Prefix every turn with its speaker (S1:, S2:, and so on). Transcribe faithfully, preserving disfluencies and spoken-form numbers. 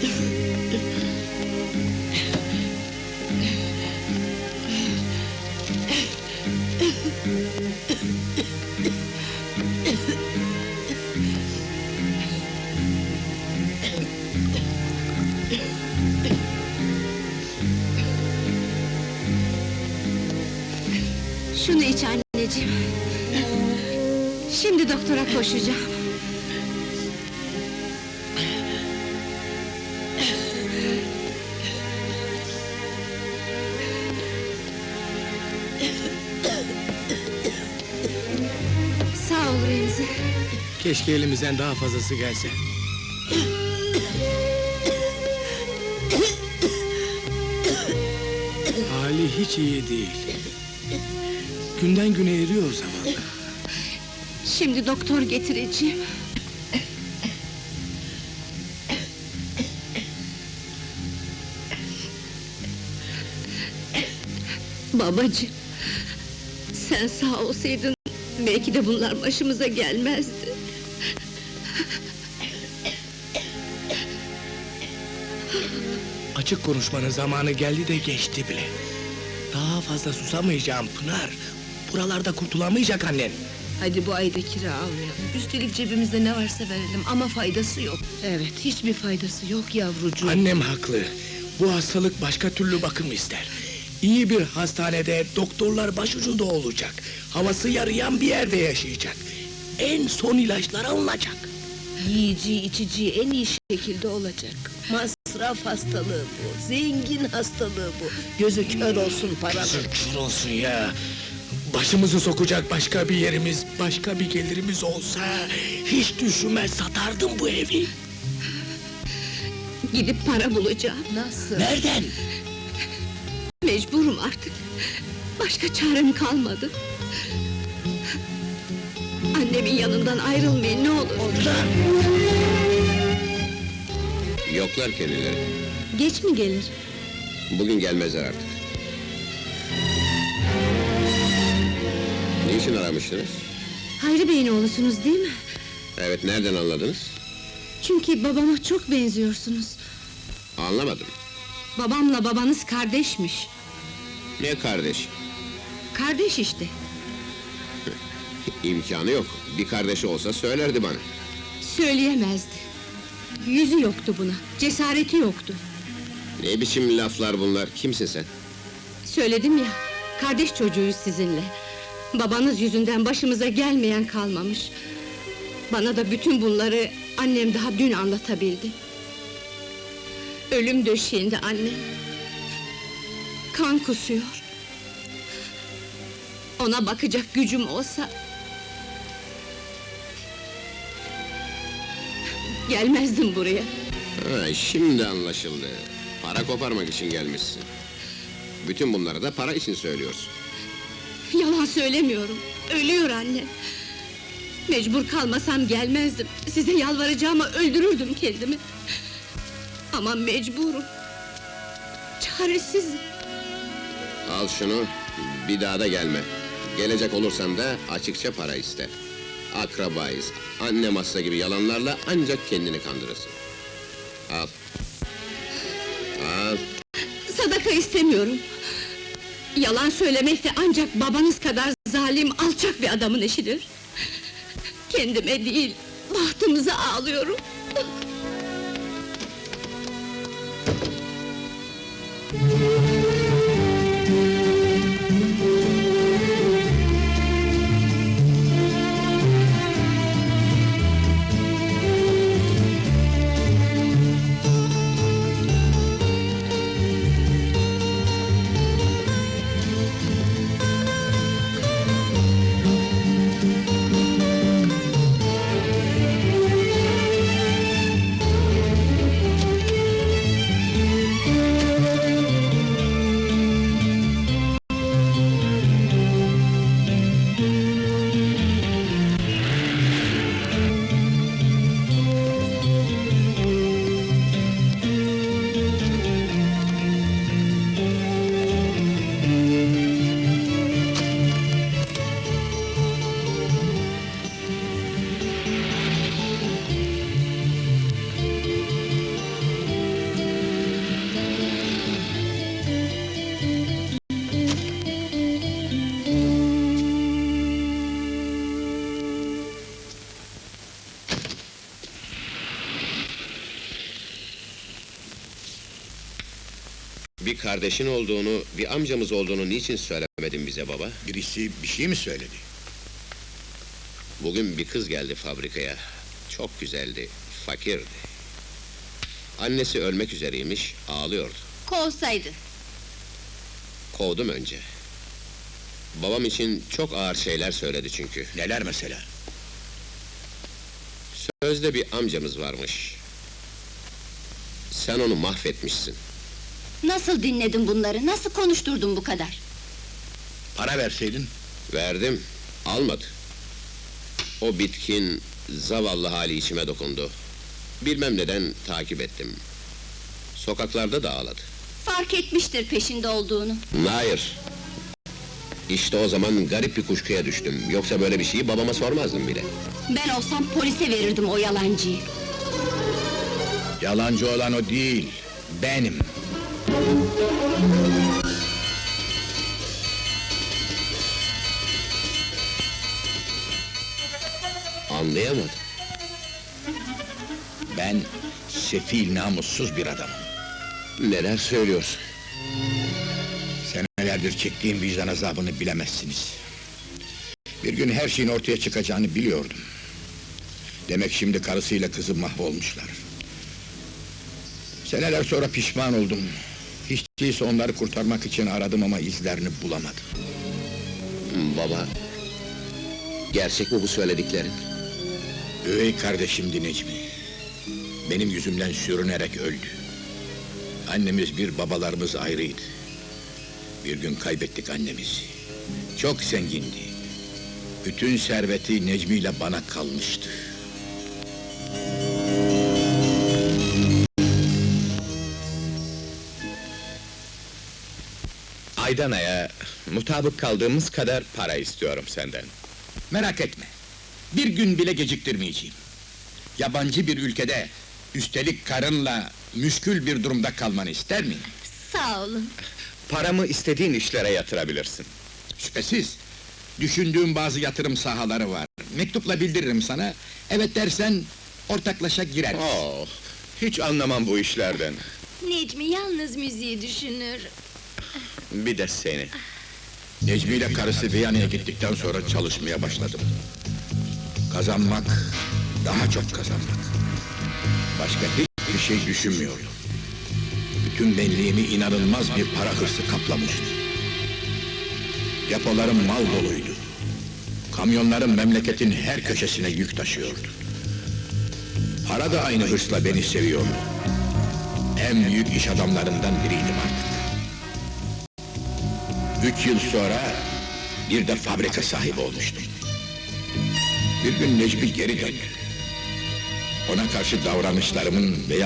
S1: Şunu iç anneciğim. Şimdi doktora koşacağım. Sağ ol Remzi.
S2: Keşke elimizden daha fazlası gelse. Hali hiç iyi değil. Günden güne eriyor zavallı.
S1: Şimdi doktor getireceğim. Babacığım, sen sağ olsaydın belki de bunlar başımıza gelmezdi.
S2: Açık konuşmanın zamanı geldi de geçti bile. Daha fazla susamayacağım Pınar. Buralarda kurtulamayacak annen.
S3: Hadi bu ayda kira almayalım. Üstelik cebimizde ne varsa verelim ama faydası yok. Evet, hiçbir faydası yok yavrucuğum.
S2: Annem haklı. Bu hastalık başka türlü bakım ister. İyi bir hastanede doktorlar başucunda olacak. Havası yarayan bir yerde yaşayacak. En son ilaçlar alınacak.
S3: Yiyici, içici en iyi şekilde olacak. Masraf hastalığı bu, zengin hastalığı bu. Gözü kör olsun paranın.
S2: Kör olsun ya! Başımızı sokacak başka bir yerimiz, başka bir gelirimiz olsa... ...hiç düşünmez satardım bu evi.
S1: Gidip para bulacağım.
S3: Nasıl?
S2: Nereden?
S1: Mecburum artık. Başka çarem kalmadı. Annemin yanından ayrılmayın ne olur.
S2: Oradan!
S4: Yoklar kendileri.
S1: Geç mi gelir?
S4: Bugün gelmezler artık. Niçin aramıştınız?
S1: Hayri Bey'in oğlusunuz değil mi?
S4: Evet, nereden anladınız?
S1: Çünkü babama çok benziyorsunuz.
S4: Anlamadım.
S1: Babamla babanız kardeşmiş.
S4: Ne kardeş?
S1: Kardeş işte.
S4: İmkanı yok. Bir kardeşi olsa söylerdi bana.
S1: Söyleyemezdi. Yüzü yoktu buna, cesareti yoktu.
S4: Ne biçim laflar bunlar? Kimsin sen?
S1: Söyledim ya, kardeş çocuğuyuz sizinle. Babanız yüzünden başımıza gelmeyen kalmamış. Bana da bütün bunları annem daha dün anlatabildi. Ölüm döşeğinde annem. Kan kusuyor. Ona bakacak gücüm olsa... gelmezdim buraya.
S4: Ha, şimdi anlaşıldı. Para koparmak için gelmişsin. Bütün bunları da para için söylüyorsun.
S1: Yalan söylemiyorum, ölüyor anne. Mecbur kalmasam gelmezdim, size yalvaracağıma öldürürdüm kendimi. Ama mecburum. Çaresizim.
S4: Al şunu, bir daha da gelme. Gelecek olursan da açıkça para iste. Akrabayız, annem hasta gibi yalanlarla ancak kendini kandırırsın. Al. Al.
S1: Sadaka istemiyorum. Yalan söylemek de ancak babanız kadar zalim, alçak bir adamın işidir. Kendime değil, bahtımıza ağlıyorum.
S4: Bir kardeşin olduğunu, bir amcamız olduğunu niçin söylemedin bize baba?
S5: Birisi bir şey mi söyledi?
S4: Bugün bir kız geldi fabrikaya. Çok güzeldi, fakirdi. Annesi ölmek üzereymiş, ağlıyordu.
S1: Kovsaydı.
S4: Kovdum önce. Babam için çok ağır şeyler söyledi çünkü.
S5: Neler mesela?
S4: Sözde bir amcamız varmış. Sen onu mahvetmişsin.
S1: Nasıl dinledin bunları, nasıl konuşturdun bu kadar?
S5: Para verseydin?
S4: Verdim, almadı. O bitkin, zavallı hali içime dokundu. Bilmem neden takip ettim. Sokaklarda da ağladı.
S1: Fark etmiştir peşinde olduğunu.
S4: Hayır. İşte o zaman garip bir kuşkuya düştüm. Yoksa böyle bir şeyi babama sormazdım bile.
S1: Ben olsam polise verirdim o yalancıyı.
S5: Yalancı olan o değil, benim.
S4: Anlayamadım.
S5: Ben sefil, namussuz bir adamım.
S4: Neler söylüyorsun?
S5: Senelerdir çektiğim vicdan azabını bilemezsiniz. Bir gün her şeyin ortaya çıkacağını biliyordum. Demek şimdi karısıyla kızı mahvolmuşlar. Seneler sonra pişman oldum. Hiç değilse onları kurtarmak için aradım ama izlerini bulamadım.
S4: Baba... Gerçek mi bu söylediklerin?
S5: Üvey kardeşimdi Necmi. Benim yüzümden sürünerek öldü. Annemiz bir, babalarımız ayrıydı. Bir gün kaybettik annemizi. Çok zengindi. Bütün serveti Necmi ile bana kalmıştı.
S6: Aydan aya mutabık kaldığımız kadar para istiyorum senden.
S5: Merak etme. Bir gün bile geciktirmeyeceğim. Yabancı bir ülkede, üstelik karınla müşkül bir durumda kalmanı ister miyim?
S1: Sağ olun.
S6: Paramı istediğin işlere yatırabilirsin.
S5: Şüphesiz. Düşündüğüm bazı yatırım sahaları var. Mektupla bildiririm sana. Evet dersen ortaklaşa gireriz.
S6: Oh, hiç anlamam bu işlerden.
S1: Necmi yalnız müziği düşünür.
S6: Bir de seni.
S5: Necmi ile karısı Viyana'ya gittikten sonra çalışmaya başladım. Kazanmak, daha çok kazanmak. Başka hiçbir şey düşünmüyordum. Bütün benliğimi inanılmaz bir para hırsı kaplamıştı. Depolarım mal doluydu. Kamyonlarım memleketin her köşesine yük taşıyordu. Para da aynı hırsla beni seviyordu. En büyük iş adamlarından biriydim artık. Üç yıl sonra bir de fabrika sahibi olmuştum. Bir gün Necmi geri döndü. Ona karşı davranışlarımın ve